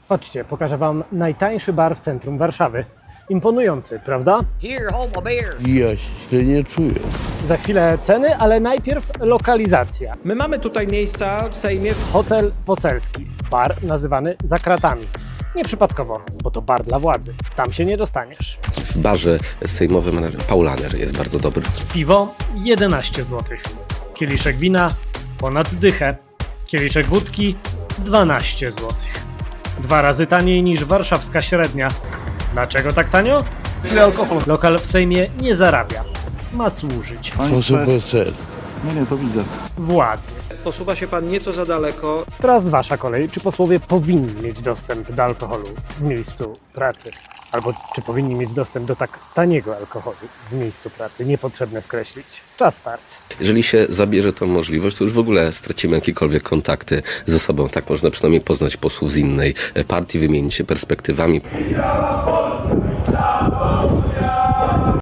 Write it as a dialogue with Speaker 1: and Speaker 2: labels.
Speaker 1: Chodźcie, pokażę wam najtańszy bar w centrum Warszawy. Imponujący, prawda?
Speaker 2: Here, hold my beer.
Speaker 3: Ja się nie czuję.
Speaker 1: Za chwilę ceny, ale najpierw lokalizacja.
Speaker 4: My mamy tutaj miejsca w Sejmie.
Speaker 1: Hotel Poselski. Bar nazywany Za Kratami. Nieprzypadkowo, bo to bar dla władzy. Tam się nie dostaniesz.
Speaker 5: W barze sejmowym Paulaner jest bardzo dobry.
Speaker 1: Piwo 11 zł. Kieliszek wina ponad dychę. Kieliszek wódki 12 zł. 2 razy taniej niż warszawska średnia. Dlaczego tak tanio? Lokal w Sejmie nie zarabia. Ma służyć
Speaker 3: Sposób PSL.
Speaker 6: Nie, to widzę.
Speaker 1: władzy.
Speaker 4: Posuwa się pan nieco za daleko.
Speaker 1: Teraz wasza kolej. Czy posłowie powinni mieć dostęp do alkoholu w miejscu pracy? Albo czy powinni mieć dostęp do tak taniego alkoholu w miejscu pracy? Niepotrzebne skreślić. Czas start.
Speaker 5: Jeżeli się zabierze tą możliwość, to już w ogóle stracimy jakiekolwiek kontakty ze sobą. Tak można przynajmniej poznać posłów z innej partii, wymienić się perspektywami.